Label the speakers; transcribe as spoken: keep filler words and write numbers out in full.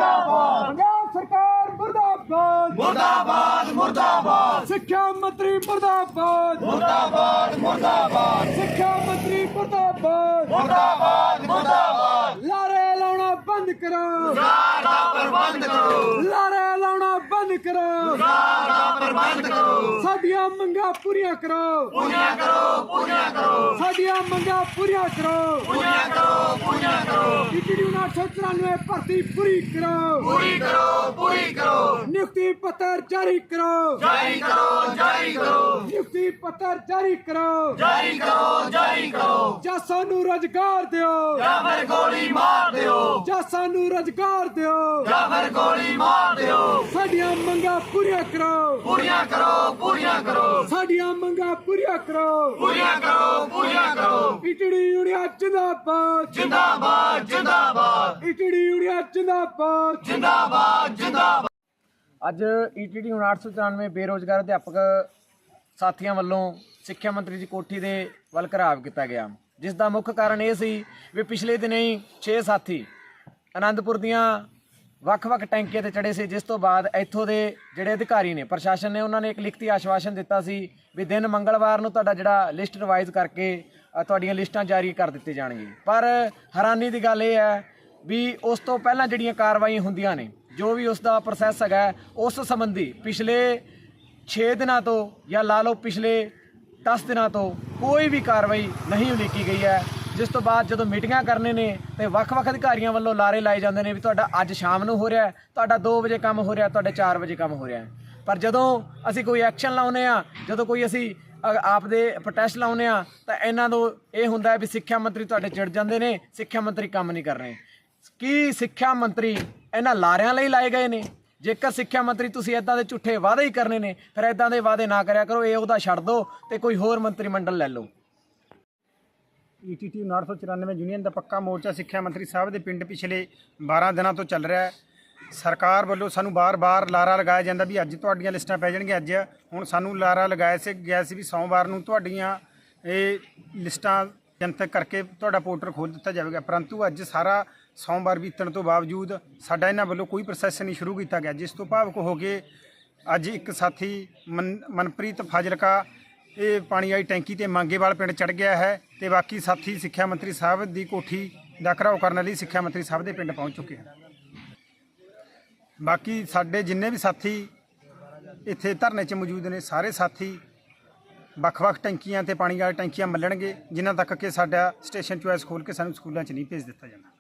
Speaker 1: मुर्दाबाद
Speaker 2: पंजाब सरकार मुर्दाबाद
Speaker 1: मुर्दाबाद मुर्दाबाद
Speaker 2: शिक्षा मंत्री मुर्दाबाद
Speaker 1: मुर्दाबाद मुर्दाबाद
Speaker 2: शिक्षा मंत्री मुर्दाबाद
Speaker 1: मुर्दाबाद मुर्दाबाद
Speaker 2: लारे लाना बंद करो
Speaker 1: रोजगार का प्रबंध करो
Speaker 2: लारे लाना बंद करो
Speaker 1: रोजगार का प्रबंध करो
Speaker 2: साडियां मंगां पूरियां करो
Speaker 1: पूरियां करो पूरियां करो
Speaker 2: साडियां मंगां पूरियां करो
Speaker 1: पूरियां करो पूरियां करो
Speaker 2: टीटीडी उन्नीस सौ चौरानवे भर्ती पूरी करो
Speaker 1: पूरी करो पूरी करो
Speaker 2: नियुक्ति पत्र जारी करो
Speaker 1: जारी करो जारी करो
Speaker 2: नियुक्ति पत्र जारी करो
Speaker 1: जारी करो जारी करो
Speaker 2: ਜਾਂ ਸਾਨੂੰ ਰੁਜ਼ਗਾਰ ਦਿਓ
Speaker 1: ਜਾਂ ਫਿਰ ਗੋਲੀ ਮਾਰ ਦਿਓ
Speaker 2: ਜਾਂ ਸਾਨੂੰ ਰੁਜ਼ਗਾਰ ਦਿਓ
Speaker 1: ਜਾਂ ਫਿਰ ਗੋਲੀ ਮਾਰ ਦਿਓ
Speaker 2: ਸਾਡੀਆਂ ਮੰਗਾਂ ਪੂਰੀਆਂ ਕਰੋ
Speaker 1: ਪੂਰੀਆਂ ਕਰੋ ਪੂਰੀਆਂ ਕਰੋ
Speaker 2: ਸਾਡੀਆਂ ਮੰਗਾਂ ਪੂਰੀਆਂ ਕਰੋ
Speaker 1: ਪੂਰੀਆਂ ਕਰੋ ਪੂਰੀਆਂ ਕਰੋ
Speaker 2: ਈਟੀਡੀ ਯੂਨੀਆ ਜਿੰਦਾਬਾਦ
Speaker 1: ਜਿੰਦਾਬਾਦ ਜਿੰਦਾਬਾਦ
Speaker 2: ਈਟੀਡੀ ਯੂਨੀਆ ਜਿੰਦਾਬਾਦ
Speaker 1: ਜਿੰਦਾਬਾਦ ਜਿੰਦਾਬਾਦ
Speaker 2: ਅੱਜ ਈਟੀਡੀ ਉਨਾਹਠ ਸੌ ਚੁਰਾਨਵੇਂ ਬੇਰੋਜ਼ਗਾਰ ਅਧਿਆਪਕ ਸਾਥੀਆਂ ਵੱਲੋਂ ਸਿੱਖਿਆ ਮੰਤਰੀ ਦੀ ਕੋਠੀ ਦੇ ਵੱਲ ਘਰਾਵ ਕੀਤਾ ਗਿਆ, ਜਿਸ ਦਾ ਮੁੱਖ ਕਾਰਨ ਇਹ ਸੀ ਵੀ ਪਿਛਲੇ ਦਿਨੇ ਹੀ ਛੇ ਸਾਥੀ ਆਨੰਦਪੁਰ ਦੀਆਂ ਵੱਖ-ਵੱਖ ਟੈਂਕੀਆਂ ਤੇ ਚੜੇ ਸੀ, ਜਿਸ ਤੋਂ ਬਾਅਦ ਇੱਥੋਂ ਦੇ ਜਿਹੜੇ ਅਧਿਕਾਰੀ ਨੇ ਪ੍ਰਸ਼ਾਸਨ ਨੇ ਉਹਨਾਂ ਨੇ ਇੱਕ ਲਿਖਤੀ ਆਸ਼ਵਾਸਨ ਦਿੱਤਾ ਸੀ ਵੀ ਦਿਨ ਮੰਗਲਵਾਰ ਨੂੰ ਤੁਹਾਡਾ ਜਿਹੜਾ ਲਿਸਟ ਰਿਵਾਈਜ਼ ਕਰਕੇ ਤੁਹਾਡੀਆਂ ਲਿਸਟਾਂ ਜਾਰੀ ਕਰ ਦਿੱਤੇ ਜਾਣਗੇ। ਪਰ ਹੈਰਾਨੀ ਦੀ ਗੱਲ ਇਹ ਹੈ ਵੀ ਉਸ ਤੋਂ ਪਹਿਲਾਂ ਜਿਹੜੀਆਂ ਕਾਰਵਾਈਆਂ ਹੁੰਦੀਆਂ ਨੇ, ਜੋ ਵੀ ਉਸ ਦਾ ਪ੍ਰੋਸੈਸ ਹੈਗਾ, ਉਸ ਸੰਬੰਧੀ ਪਿਛਲੇ ਛੇ ਦਿਨਾਂ ਤੋਂ ਜਾਂ ਲਾ ਲਓ ਪਿਛਲੇ ਦਸ ਦਿਨਾਂ ਤੋਂ ਕੋਈ ਵੀ ਕਾਰਵਾਈ ਨਹੀਂ ਉਲੀਕੀ ਗਈ ਹੈ। ਜਿਸ ਤੋਂ ਬਾਅਦ ਜਦੋਂ ਮੀਟਿੰਗਾਂ ਕਰਨੇ ਨੇ ਤੇ ਵੱਖ-ਵੱਖ ਅਧਿਕਾਰੀਆਂ ਵੱਲੋਂ ਲਾਰੇ ਲਾਏ ਜਾਂਦੇ ਨੇ ਵੀ ਤੁਹਾਡਾ ਅੱਜ ਸ਼ਾਮ ਨੂੰ ਹੋ ਰਿਹਾ, ਤੁਹਾਡਾ ਦੋ ਵਜੇ ਕੰਮ ਹੋ ਰਿਹਾ, ਤੁਹਾਡੇ ਚਾਰ ਵਜੇ ਕੰਮ ਹੋ ਰਿਹਾ। ਪਰ ਜਦੋਂ ਅਸੀਂ ਕੋਈ ਐਕਸ਼ਨ ਲਾਉਂਦੇ ਆ, ਜਦੋਂ ਕੋਈ ਅਸੀਂ ਆਪ ਦੇ ਪ੍ਰੋਟੈਸਟ ਲਾਉਂਦੇ ਆ, ਤਾਂ ਇਹਨਾਂ ਨੂੰ ਇਹ ਹੁੰਦਾ ਵੀ ਸਿੱਖਿਆ ਮੰਤਰੀ ਤੁਹਾਡੇ ਚਿੜ ਜਾਂਦੇ ਨੇ, ਸਿੱਖਿਆ ਮੰਤਰੀ ਕੰਮ ਨਹੀਂ ਕਰ ਰਹੇ। ਕੀ ਸਿੱਖਿਆ ਮੰਤਰੀ ਇਹਨਾਂ ਲਾਰਿਆਂ ਲਈ ਲਾਏ ਗਏ ਨੇ? ਜੇਕਰ ਸਿੱਖਿਆ ਮੰਤਰੀ ਤੁਸੀਂ ਇੱਦਾਂ ਦੇ ਝੂਠੇ ਵਾਅਦੇ ਹੀ ਕਰਨੇ ਨੇ, ਫਿਰ ਇੱਦਾਂ ਦੇ ਵਾਅਦੇ ਨਾ ਕਰਿਆ ਕਰੋ, ਇਹ ਉਹਦਾ ਛੱਡ ਦਿਓ ਤੇ ਕੋਈ ਹੋਰ ਮੰਤਰੀ ਮੰਡਲ ਲੈ ਲਓ।
Speaker 3: ਈਟੀਟੀ ਉਨਾਹਠ ਸੌ ਚੁਰਾਨਵੇਂ ਯੂਨੀਅਨ ਦਾ ਪੱਕਾ ਮੋਰਚਾ ਸਿੱਖਿਆ ਮੰਤਰੀ ਸਾਹਿਬ ਦੇ ਪਿੰਡ ਪਿਛਲੇ ਬਾਰਾਂ ਦਿਨਾਂ ਤੋਂ ਚੱਲ ਰਿਹਾ ਹੈ। ਸਰਕਾਰ ਵੱਲੋਂ ਸਾਨੂੰ ਬਾਰ-ਬਾਰ ਲਾਰਾ ਲਗਾਇਆ ਜਾਂਦਾ ਵੀ ਅੱਜ ਤੁਹਾਡੀਆਂ ਲਿਸਟਾਂ ਪੈ ਜਾਣਗੀਆਂ। ਅੱਜ ਹੁਣ ਸਾਨੂੰ ਲਾਰਾ ਲਗਾਇਆ ਸੀ ਗਿਆ ਸੀ ਵੀ ਸੋਮਵਾਰ ਨੂੰ ਤੁਹਾਡੀਆਂ ਇਹ ਲਿਸਟਾਂ ਜਨਤਕ ਕਰਕੇ ਤੁਹਾਡਾ ਪੋਰਟਲ ਖੋਲ੍ਹ ਦਿੱਤਾ ਜਾਵੇਗਾ, ਪਰੰਤੂ ਅੱਜ ਸਾਰਾ ਸੋਮਵਾਰ ਬੀਤਣ ਤੋਂ ਬਾਵਜੂਦ ਸਾਡਾ ਇਹਨਾਂ ਵੱਲੋਂ ਕੋਈ ਪ੍ਰੋਸੈਸ ਨਹੀਂ ਸ਼ੁਰੂ ਕੀਤਾ ਗਿਆ, ਜਿਸ ਤੋਂ ਭਾਵੁਕ ਹੋ ਕੇ ਅੱਜ ਇੱਕ ਸਾਥੀ ਮਨ ਮਨਪ੍ਰੀਤ ਫਾਜ਼ਿਲਕਾ ਇਹ ਪਾਣੀ ਵਾਲੀ ਟੈਂਕੀ ਤੇ ਮੰਗੇਵਾਲ ਪਿੰਡ ਚੜ੍ਹ ਗਿਆ ਹੈ ਤੇ ਬਾਕੀ ਸਾਥੀ ਸਿੱਖਿਆ ਮੰਤਰੀ ਸਾਹਿਬ ਦੀ ਕੋਠੀ ਦਾ ਘਿਰਾਓ ਕਰਨ ਲਈ ਸਿੱਖਿਆ ਮੰਤਰੀ ਸਾਹਿਬ ਦੇ ਪਿੰਡ ਪਹੁੰਚ ਚੁੱਕੇ ਹਨ। ਬਾਕੀ ਸਾਡੇ ਜਿੰਨੇ ਵੀ ਸਾਥੀ ਇੱਥੇ ਧਰਨੇ 'ਚ ਮੌਜੂਦ ਨੇ, ਸਾਰੇ ਸਾਥੀ ਵੱਖ-ਵੱਖ ਟੈਂਕੀਆਂ ਤੇ ਪਾਣੀ ਵਾਲੀ ਟੈਂਕੀਆਂ ਮੱਲਣਗੇ, ਜਿਨ੍ਹਾਂ ਤੱਕ ਕਿ ਸਾਡਾ ਸਟੇਸ਼ਨ ਚੁਆਇਸ ਖੋਲ੍ਹ ਕੇ ਸਾਨੂੰ ਸਕੂਲਾਂ 'ਚ ਨਹੀਂ ਭੇਜ ਦਿੱਤਾ ਜਾਂਦਾ।